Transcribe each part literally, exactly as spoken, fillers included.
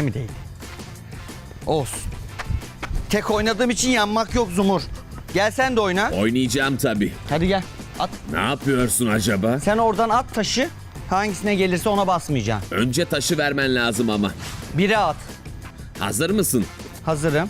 eline mi değdi? Olsun. Tek oynadığım için yanmak yok Zumur. Gel sen de oyna. Oynayacağım tabii. Hadi gel. At. Ne yapıyorsun acaba? Sen oradan at taşı. Hangisine gelirse ona basmayacaksın. Önce taşı vermen lazım ama. Bire at. Hazır mısın? Hazırım.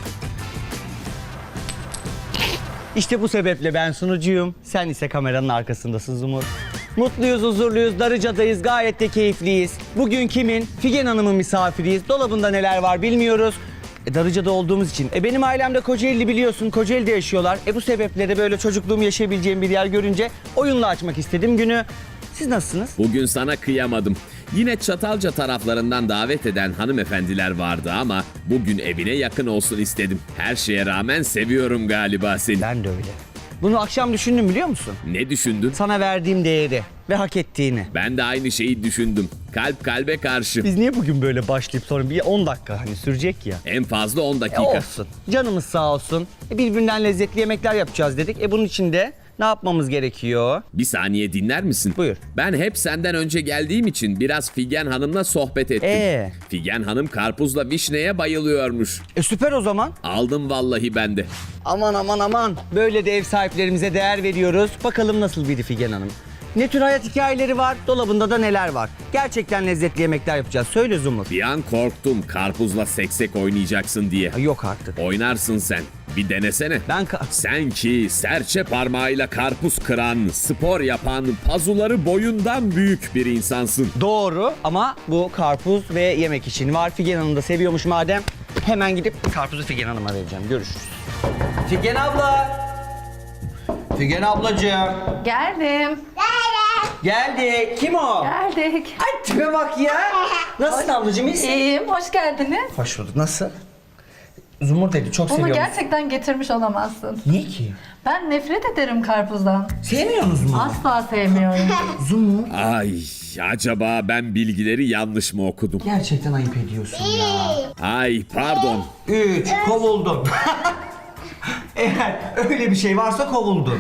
İşte bu sebeple ben sunucuyum. Sen ise kameranın arkasındasın Zumur. Mutluyuz, huzurluyuz, Darıca'dayız, gayet de keyifliyiz. Bugün kimin? Figen Hanım'ın misafiriyiz. Dolabında neler var bilmiyoruz. E, Darıca'da olduğumuz için. E, benim ailem de Kocaeli biliyorsun, Kocaeli'de yaşıyorlar. E, bu sebeple de böyle çocukluğumu yaşayabileceğim bir yer görünce oyunla açmak istedim günü. Siz nasılsınız? Bugün sana kıyamadım. Yine Çatalca taraflarından davet eden hanımefendiler vardı ama bugün evine yakın olsun istedim. Her şeye rağmen seviyorum galiba seni. Ben de öyle. Bunu akşam düşündüm biliyor musun? Ne düşündün? Sana verdiğim değeri ve hak ettiğini. Ben de aynı şeyi düşündüm. Kalp kalbe karşı. Biz niye bugün böyle başlayıp sonra bir on dakika hani sürecek ya? En fazla on E dakika. olsun. Canımız sağ olsun. E birbirinden lezzetli yemekler yapacağız dedik. E bunun için de ne yapmamız gerekiyor? Bir saniye dinler misin? Buyur. Ben hep senden önce geldiğim için biraz Figen Hanım'la sohbet ettim. Ee? Figen Hanım karpuzla vişneye bayılıyormuş. E süper o zaman. Aldım vallahi ben de. Aman aman aman. Böyle de ev sahiplerimize değer veriyoruz. Bakalım nasıl biri Figen Hanım. Ne tür hayat hikayeleri var? Dolabında da neler var? Gerçekten lezzetli yemekler yapacağız. Söyle Zumur. Bir an korktum karpuzla seksek oynayacaksın diye. Ay, yok artık. Oynarsın sen. Bir denesene. Ben ka- Sen ki serçe parmağıyla karpuz kıran, spor yapan, pazuları boyundan büyük bir insansın. Doğru ama bu karpuz ve yemek için var. Figen Hanım da seviyormuş madem. Hemen gidip karpuzu Figen Hanım'a vereceğim. Görüşürüz. Figen abla. Figen ablacığım. Geldim. Geldi. Kim o? Geldik. Ay tipe bak ya. Nasılsın ablacığım, iyisin? İyiyim, hoş geldiniz. Hoş bulduk. Nasıl? Zumur dedi, çok Bunu seviyorum. gerçekten getirmiş olamazsın. Niye ki? Ben nefret ederim karpuzdan. Sevmiyor musun Zumur? Asla sevmiyorum. Zumur. Ay, acaba ben bilgileri yanlış mı okudum? Gerçekten ayıp ediyorsun ya. Ay, pardon. Üç, kovuldun. Eğer öyle bir şey varsa kovuldun.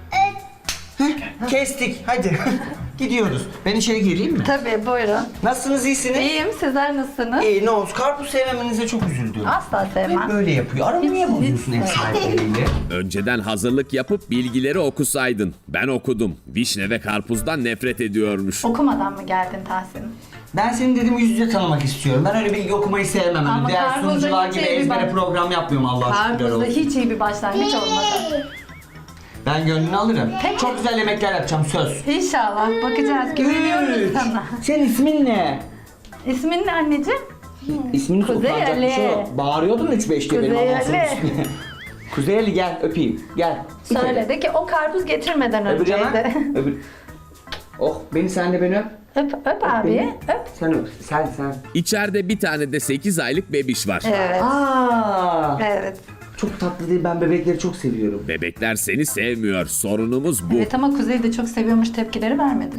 Heh, kestik, hadi. Gidiyoruz. Ben içeri gireyim mi? Tabii, buyurun. Nasılsınız, iyisiniz? İyiyim, sizler nasılsınız? İyi, ne olsun. Karpuz sevmemenize çok üzüldüm. Asla Hep sevmem. böyle yapıyor. Aramı niye Hiç- bozuyorsun hiç ev sahipleriyle? Önceden hazırlık yapıp bilgileri okusaydın. Ben okudum. Vişne ve karpuzdan nefret ediyormuş. Okumadan mı geldin Tahsin? Ben seni dedim yüz yüze tanımak istiyorum. Ben öyle bilgi okumayı sevmem. Ama Öyle diğer karpuzda sunucular hiç gibi iyi bir ezbere bak- program yapmıyorum Allah şükürler Karpuzda olsun. hiç iyi bir başlangıç olmadı. Ben gönlünü alırım. Peki. Çok güzel yemekler yapacağım, söz. İnşallah, bakacağız. Güveniyoruz sana. Senin ismin ne? İsmin ne anneciğim? İsmini Kuzey sokacak bir şey Ali. yok. Bağırıyordun üç beş diye benim Kuzey anasının Ali. ismini. Kuzey Ali gel öpeyim. Gel. Bir kere. Söyledi ki o karpuz getirmeden Öbür yana. önceydi. Öbür. Oh, beni sen de beni öp. Öp, öp abi, Beni. öp. Sen öp. Sen sen. İçeride bir tane de sekiz aylık bebiş var. Evet, Aa. evet. Çok tatlı değil. Ben bebekleri çok seviyorum. Bebekler seni sevmiyor. Sorunumuz bu. Evet ama Kuzey de çok seviyormuş, tepkileri vermedi.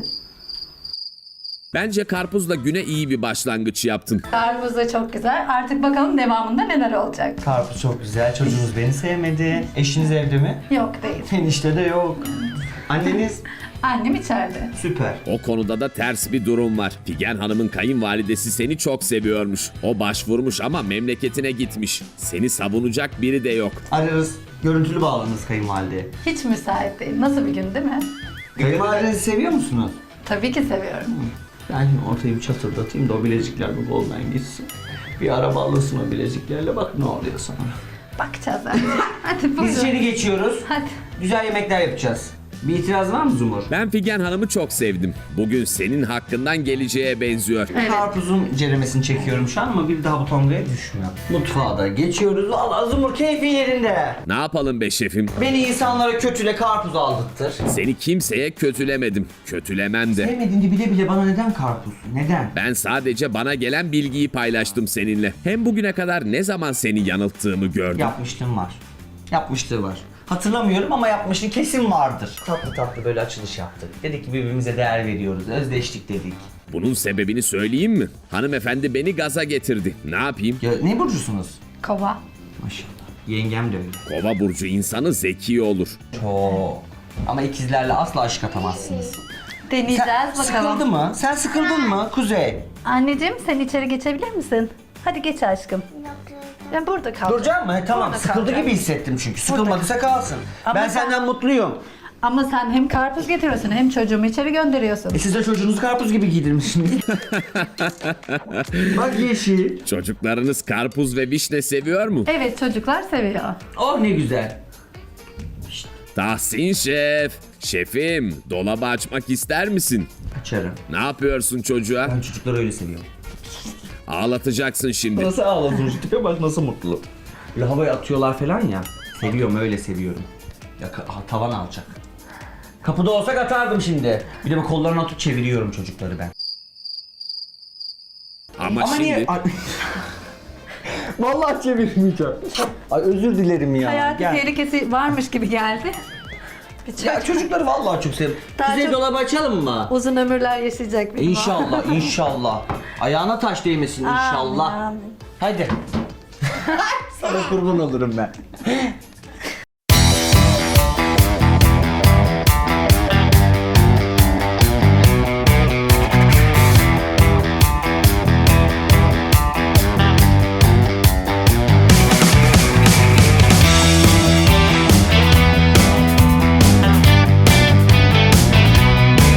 Bence karpuzla güne iyi bir başlangıç yaptın. Karpuz da çok güzel. Artık bakalım devamında neler olacak. Karpuz çok güzel. Çocuğunuz beni sevmedi. Eşiniz evde mi? Yok değil. Enişte de yok. Anneniz Annem içeride. süper. O konuda da ters bir durum var. Figen Hanım'ın kayınvalidesi seni çok seviyormuş. O başvurmuş ama memleketine gitmiş. Seni savunacak biri de yok. Ararız. Görüntülü bağlanırız kayınvalideye. Hiç müsait değil. Nasıl bir gün değil mi? Kayınvalidenizi seviyor musunuz? Tabii ki seviyorum. Ben ortayı bir çatırdatayım da o bilezikler bu koldan gitsin. Bir araba alırsın o bileziklerle, bak ne oluyor sana. Bakacağız bence. Hadi Biz içeri buyurun. geçiyoruz. Hadi. Güzel yemekler yapacağız. Bir itiraz var mı Zumur? Ben Figen Hanım'ı çok sevdim. Bugün senin hakkından geleceğe benziyor. Evet. Karpuzun ceremesini çekiyorum şu an ama bir daha bu tongaya düşmüyor. Mutfağa da geçiyoruz. Valla Zumur keyfi yerinde. Ne yapalım be şefim? Beni insanlara kötüle karpuz aldırtır. Seni kimseye kötülemedim. Kötülemem de. Sevmediğini bile bile bana neden karpuz? Neden? Ben sadece bana gelen bilgiyi paylaştım seninle. Hem bugüne kadar ne zaman seni yanılttığımı gördüm. Yapmışlığım var. Yapmışlığı var. Hatırlamıyorum ama yapmışlığı kesin vardır. Tatlı tatlı böyle açılış yaptık. Dedik ki birbirimize değer veriyoruz. Özdeştik dedik. Bunun sebebini söyleyeyim mi? Hanımefendi beni gaza getirdi. Ne yapayım? Ya ne burcusunuz? Kova. Maşallah. Yengem de öyle. Kova burcu insanı zeki olur. Çok. Ama ikizlerle asla aşık atamazsınız. Deneyeceğiz Sen bakalım. sıkıldı mı? Sen sıkıldın mı Kuzey? Anneciğim sen içeri geçebilir misin? Hadi geç aşkım. Ben burada kal. Duracak mı? He, tamam. Burada Sıkıldı kalacağım. gibi hissettim çünkü. Sıkılmadıysa kalsın. Ama ben sen- senden mutluyum. Ama sen hem karpuz getiriyorsun hem çocuğumu içeri gönderiyorsun. E siz de çocuğunuzu karpuz gibi giydirmişsiniz. Bak yeşil. Çocuklarınız karpuz ve vişne seviyor mu? Evet, çocuklar seviyor. Oh ne güzel. Tahsin Şef. Şefim, dolabı açmak ister misin? Açarım. Ne yapıyorsun çocuğa? Ben çocukları öyle seviyorum. Ağlatacaksın şimdi. Nasıl ağlasın şu tipe bak nasıl mutlu. Böyle havaya atıyorlar falan ya. Seviyorum öyle seviyorum. Ya ka- ha, tavan alacak. Kapıda olsak atardım şimdi. Bir de bu kollarını atıp çeviriyorum çocukları ben. Ama, Ama şimdi niye? Ay- Vallahi çevirmeyeceğim. Ay özür dilerim ya. Hayati Gel. tehlikesi varmış gibi geldi. Bir Ya çocuk çocukları vallahi çok seviyorum. Daha Size çok- dolabı açalım mı? uzun ömürler yaşayacak benim. İnşallah, inşallah. Ayağına taş değmesin inşallah. Amin, amin. Hadi. Sana kurban olurum ben.